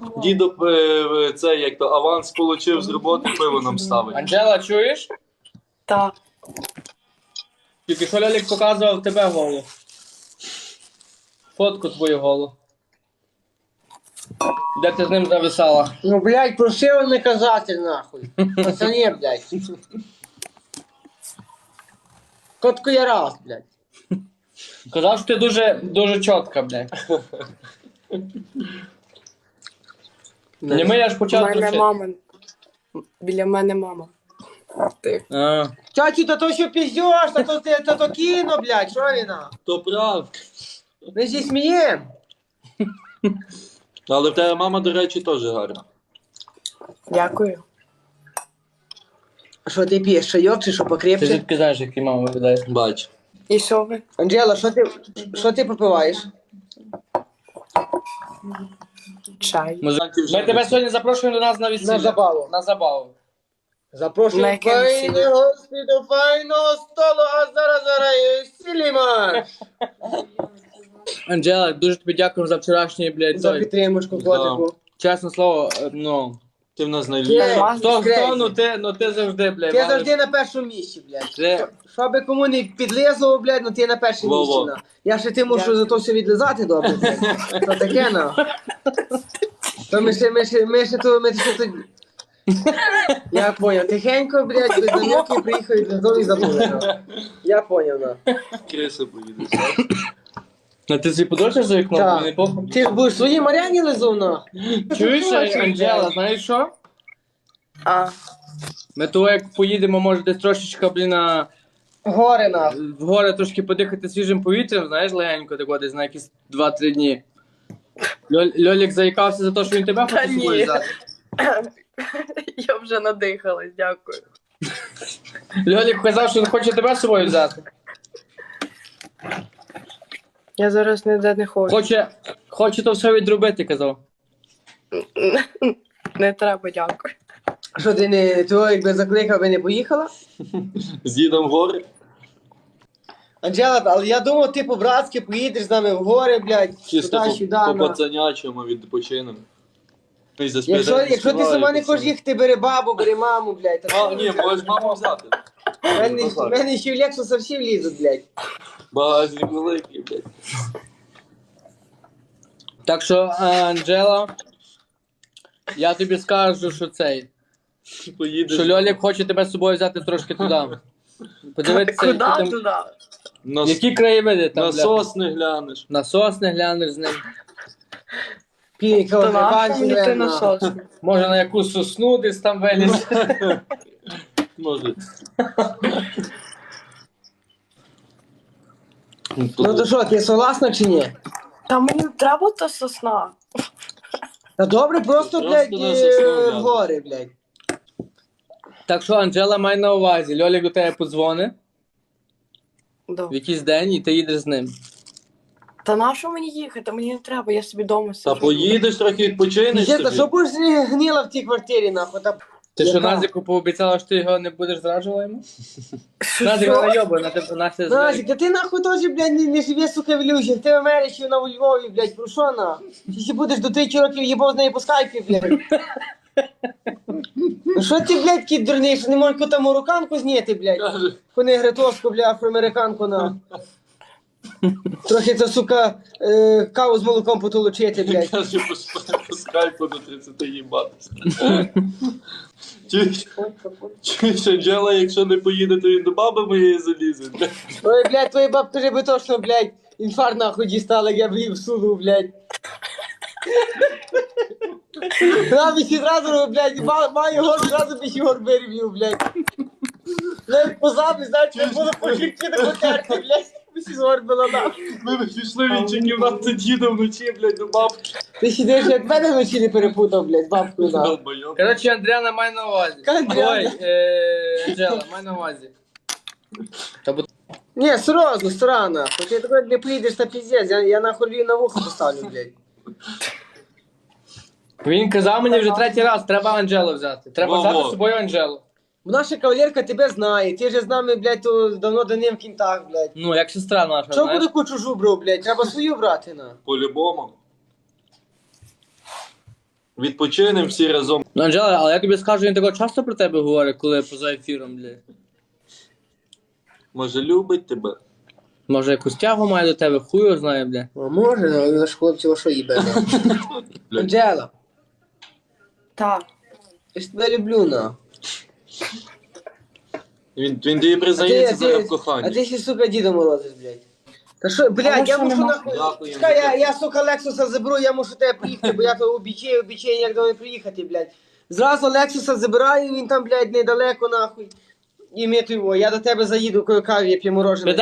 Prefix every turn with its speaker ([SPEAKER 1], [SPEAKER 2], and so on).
[SPEAKER 1] Дідо це, як то, аванс получив з роботи, пиво нам ставить.
[SPEAKER 2] Анжела, чуєш?
[SPEAKER 3] Так.
[SPEAKER 2] Тільки що Льолік показував тебе голу. Фотку твою голу. Де ти з ним зависала?
[SPEAKER 4] Ну, блядь, просив не казати, нахуй. Пацані, блядь. Котку я раз, блядь.
[SPEAKER 2] Казав, що ти дуже чітка, блядь. Не ми, я ж
[SPEAKER 3] У
[SPEAKER 2] почав
[SPEAKER 3] мене
[SPEAKER 2] вчити.
[SPEAKER 3] мама. Біля мене мама. Ти.
[SPEAKER 2] А,
[SPEAKER 4] Чачу, та то що піздєш, та то кіно, блядь, що віна?
[SPEAKER 1] То правда.
[SPEAKER 4] Ми зі смієм.
[SPEAKER 1] Але в тебе мама, до речі, теж гарна.
[SPEAKER 3] Дякую.
[SPEAKER 4] Що ти п'єш, чайок чи що
[SPEAKER 2] ти
[SPEAKER 4] покрепче?
[SPEAKER 2] звідки знаєш, який мама виглядає?
[SPEAKER 1] Бач.
[SPEAKER 3] І що ви?
[SPEAKER 4] Анджела, що ти попиваєш?
[SPEAKER 3] Чай.
[SPEAKER 2] Ми тебе сьогодні запрошуємо до нас на весілля.
[SPEAKER 4] На забаву.
[SPEAKER 2] На забаву.
[SPEAKER 4] Запрошую
[SPEAKER 3] На яке
[SPEAKER 4] файне
[SPEAKER 3] весілля?
[SPEAKER 4] гості до файного столу, а зараз і сіліма.
[SPEAKER 2] Анжела, дуже тобі дякую за вчорашній, блядь,
[SPEAKER 4] За
[SPEAKER 2] той.
[SPEAKER 4] підтримочку, котику.
[SPEAKER 2] Чесне слово, ну.
[SPEAKER 1] Ти в нас
[SPEAKER 4] Є.
[SPEAKER 1] найліпша.
[SPEAKER 2] Хто,
[SPEAKER 4] Крейзі.
[SPEAKER 2] ну ти завжди, блядь.
[SPEAKER 4] Ти
[SPEAKER 2] валиш.
[SPEAKER 4] завжди на першому місці, блядь.
[SPEAKER 2] Ти-
[SPEAKER 4] Що би кому не підлизував, блядь, ну ти на першому
[SPEAKER 1] Во-во.
[SPEAKER 4] місці, на. Я ще ти мушу за то все відлизати добре, блядь. То таке, на. То ми ще то... Я поняв. Тихенько, блядь, без намірки приїхав і додому і забули, на. Я поняв, на.
[SPEAKER 1] Криси поїдеш.
[SPEAKER 2] Ну ти собі подорожиш за вікном?
[SPEAKER 4] Так.
[SPEAKER 2] Мені не похуй.
[SPEAKER 4] Ти ж будеш свої Мар'яні лизав, на.
[SPEAKER 2] Чуєш,
[SPEAKER 4] Бачиш,
[SPEAKER 2] Анжела,
[SPEAKER 4] блядь.
[SPEAKER 2] знаєш що?
[SPEAKER 3] А,
[SPEAKER 2] Ми того, як поїдемо, може десь трошечка, блін,
[SPEAKER 4] Горе, на.
[SPEAKER 2] в гори трошки подихати свіжим повітрям, знаєш, легенько, так десь на якісь 2-3 дні. Льолік заїкався за те, що він тебе
[SPEAKER 3] Та
[SPEAKER 2] хоче з собою
[SPEAKER 3] ні.
[SPEAKER 2] взяти.
[SPEAKER 3] я вже надихалась, дякую.
[SPEAKER 2] Льолік казав, що він хоче тебе з собою взяти.
[SPEAKER 3] Я зараз ніде не хочу.
[SPEAKER 2] Хоче то все відробити, казав.
[SPEAKER 3] Не треба, дякую.
[SPEAKER 4] Що ти не, того якби закликав, би не поїхала?
[SPEAKER 1] З дідом в гори.
[SPEAKER 4] Анджела, але я думав, ти по-братськи поїдеш з нами в гори, блядь,
[SPEAKER 1] Чисто
[SPEAKER 4] туди-сюди,
[SPEAKER 1] по
[SPEAKER 4] на.
[SPEAKER 1] пацанячому відпочинемо.
[SPEAKER 4] Якщо ти сама не хочеш їхати, бери бабу, бери маму, блядь.
[SPEAKER 1] А, ні, можеш маму взяти.
[SPEAKER 4] В мене ще в Лексуса всі влізуть, блядь.
[SPEAKER 1] Багажник великий, блядь.
[SPEAKER 2] Так що, Анджела, я тобі скажу, що цей.
[SPEAKER 1] Поїдеш.
[SPEAKER 2] Що Льолік хоче тебе з собою взяти трошки туди. Подивитися,
[SPEAKER 3] Куди
[SPEAKER 2] які, там,
[SPEAKER 3] туди?
[SPEAKER 1] На,
[SPEAKER 2] які краєвиди там.
[SPEAKER 1] на
[SPEAKER 2] бля.
[SPEAKER 1] сосни глянеш.
[SPEAKER 2] На сосни глянеш з ним.
[SPEAKER 4] Піка,
[SPEAKER 3] То нащо
[SPEAKER 4] бачиш,
[SPEAKER 3] мені ти
[SPEAKER 4] блядь,
[SPEAKER 3] на
[SPEAKER 4] на.
[SPEAKER 3] сосну?
[SPEAKER 2] Може на якусь сосну десь там виліз.
[SPEAKER 1] Може.
[SPEAKER 4] Ну то що, ти согласна чи ні?
[SPEAKER 3] Та мені треба та сосна.
[SPEAKER 4] Та добре, просто, блядь,
[SPEAKER 1] на сосну
[SPEAKER 4] в
[SPEAKER 1] глянеш.
[SPEAKER 4] гори, блядь.
[SPEAKER 2] Так що, Анджела, май на увазі. Льолік до тебе подзвони в
[SPEAKER 3] Добре.
[SPEAKER 2] якийсь день і ти їдеш з ним.
[SPEAKER 3] Та на що мені їхати? Мені не треба, я собі вдома
[SPEAKER 1] Та
[SPEAKER 3] сиджу.
[SPEAKER 1] поїдеш трохи відпочинеш
[SPEAKER 4] Дівчата,
[SPEAKER 1] собі.
[SPEAKER 4] що будеш гніла в тій квартирі, нахуй? Та...
[SPEAKER 2] Ти що,
[SPEAKER 4] Яка?
[SPEAKER 2] Назіку пообіцяла, що ти його не будеш зраджувала йому? Назік,
[SPEAKER 3] Що?
[SPEAKER 2] вона йобана, ти Настя
[SPEAKER 4] Назік, та ти нахуй теж, блядь, не живе, сука, в ілюзіях. Ти в Америці, вона у Львові, блядь, про що на? Ти ще будеш до 3 років їбав з нею по скайпі, блядь. Ну що ти, блядь, кіт дурний, що не можеш яку там марокканку зняти, блядь?
[SPEAKER 1] Каже,
[SPEAKER 4] Кони гретоску, бля, афроамериканку на. Трохи це, сука, каву з молоком потолочити, блядь.
[SPEAKER 1] каже, по скайпу до 30 їбатися. Чуєш, Анджела, якщо не поїде, то він до баби моєї залізе. блядь.
[SPEAKER 4] Ой, блядь, твої бабки вже би точно, блядь, інфаркт нахуй дістала, як я б її всунув, блядь. Вона б ще зразу, блядь, маю гор, зразу б ще гор вирівнюв, блядь. Блядь, позаби, знаєш, не було по хлібці не потерти, блядь. Б ще гор була нахуй.
[SPEAKER 1] Ми б пішли в інші кімнати діда вночі, блядь, до бабки.
[SPEAKER 4] Ти сидиш, як мене вночі не перепутав, блядь, з бабкою, нахуй.
[SPEAKER 1] Долбойоб.
[SPEAKER 2] Коротше, Андріана, май на увазі.
[SPEAKER 4] Андріана.
[SPEAKER 2] Ой, Анджела, май на увазі. Та бо
[SPEAKER 4] Ні, серйозно, стара, нахуй. Ти такой не поїдеш, та піздець, я нахуй Львів на вухо поставлю, блядь.
[SPEAKER 2] він казав мені вже третій раз, треба Анджелу взяти. Треба
[SPEAKER 1] Во-во.
[SPEAKER 2] взяти з собою Анджелу.
[SPEAKER 4] Наша кавалерка тебе знає, ти же з нами, блядь, то давно до ним в кінтах, блядь.
[SPEAKER 2] Ну, як сестра наша,
[SPEAKER 4] Чого
[SPEAKER 2] знаєш?
[SPEAKER 4] буде яку чужу брав, блядь? Треба свою брати, на.
[SPEAKER 1] По-любому. Відпочинемо всі разом.
[SPEAKER 2] Ну, Анжела, але я тобі скажу, він такого часто про тебе говорить, коли поза ефіром, блядь.
[SPEAKER 1] Може, любить тебе?
[SPEAKER 2] Може, якусь тягу має до тебе, хуй його знає, блядь.
[SPEAKER 4] А може, але наш хлопці що їбе. Анджела,
[SPEAKER 3] Та.
[SPEAKER 4] я ж тебе люблю, на.
[SPEAKER 1] Він тобі признається зараз в
[SPEAKER 4] А
[SPEAKER 1] коханні.
[SPEAKER 4] ти ще, сука, Діда Морозиш, блядь. Та що, блядь, я
[SPEAKER 3] що
[SPEAKER 4] мушу
[SPEAKER 3] нема?
[SPEAKER 4] нахуй.
[SPEAKER 1] Дякую.
[SPEAKER 4] Чекай, я, сука, Лексуса заберу, я мушу тебе приїхати, бо я то обічаю, як до мене приїхати, блядь. Зразу Лексуса забираю, він там, блядь, недалеко, нахуй. І ми то його, я до тебе заїду, кою каві, я п'ю морожене.